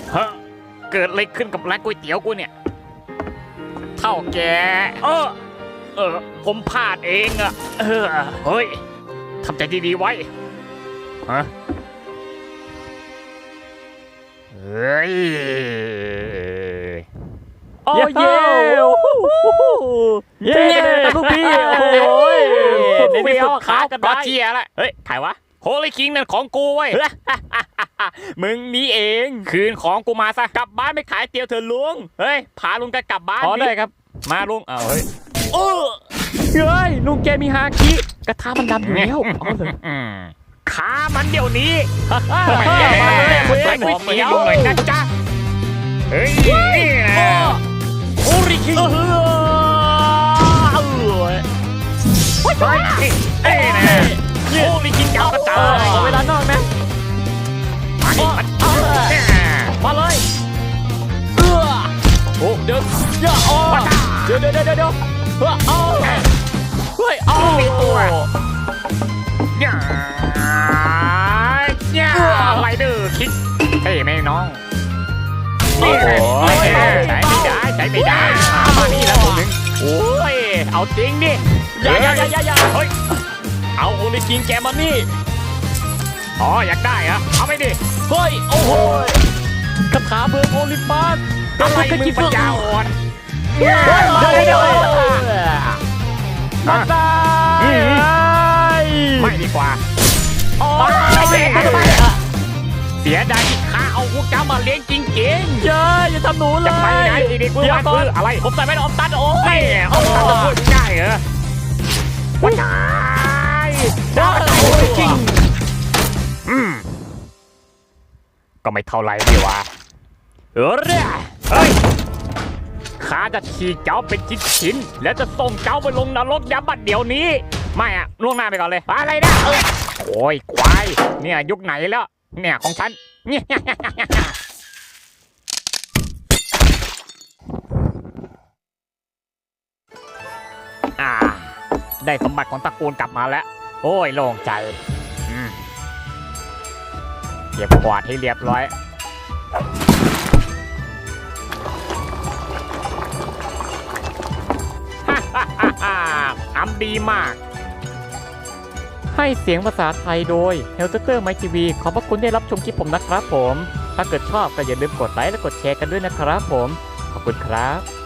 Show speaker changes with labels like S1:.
S1: ฮะเกิดอะไรขึ้นกับร้านก๋วยเตี๋ยวกูเนี่ยเท่าแกผมพลาดเองอะเฮ้ยทำใจดีๆไว้ฮะเฮ้ย
S2: โอ้เย่เย่ลูกพี่โอ้ยในที่สุดขากันได้
S1: ก็เชียร์ละเฮ้ยใครวะโฮลี่คิงนั่นของกูเว้ย มึงนี่เองคืนของกูมาซะกลับบ้านไม่ขายเตี๋ยวเถอะลุงเฮ้ยพาลุงกันกลับบ้าน
S2: ได้ครับ
S1: มาลุงเฮ้ย
S2: เฮ้ยลุงแกมีฮาคิกระทะมันดำอยู่แล้ว
S1: ขามันเดี๋ยวนี้
S2: ไม่
S1: แย่
S2: มาเลย
S1: ก๋วยเตี๋ยวลุงหน่อยนะจ๊ะเฮ้ย
S2: โฮลี่คิง
S1: นะโฮลี่คิงจับกระต่าย
S2: เวลานอกนะมาเลยโอ้เดี๋ยวเดี๋ยวเฮ้ย
S1: มีตัวไรเดอร์คิกเฮ้ยแม่น้องนี่ใช้ไม่ได้มานี่แล้วคนหนึ่งโอ้ยเอาจริงดิ
S2: อย่า
S1: เฮ้ย
S2: เอาโอลิคิงแกมานี่
S1: อยากได้เหรอเอาไปดิ
S2: เฮ้ยโอ้โหคาถาเบิร์โอลิมปัส
S1: อะไรมึงปัญญาอ่อน
S2: เดี๋ยวมาตาย
S1: ไม่ดีกว่าเสียดายที่ข้าเอาพวกเจ้ามาเลี้ยงจริงๆ
S2: อย่าทำหนูเลย
S1: จะไปไหนดีๆกูมาซื้ออะไร
S2: ผมใส่ไม่ได้อมตันโอ้ย
S1: เอาตันจะพูดง่ายเหรอว้ายได้จริงก็ไม่เท่าไรดีวะเฮ้ยข้าจะฉีกเจ้าเป็นชิ้นๆแล้วจะส่งเจ้าไปลงนรกยามบัดเดี๋ยวนี้ไม่อะล่วงหน้าไปก่อนเลยอะไรนะโอ้ยควายเนี่ยยุคไหนแล้วเนี่ยของฉันได้สมบัติของตระกูลกลับมาแล้วโอ้ยโล่งใจเก็บกวาดให้เรียบร้อยทำดีมากให้เสียงภาษาไทยโดย Helter My TV ขอบพระคุณได้รับชมคลิปผมนะครับผมถ้าเกิดชอบก็อย่าลืมกดไลค์และกดแชร์กันด้วยนะครับผมขอบคุณครับ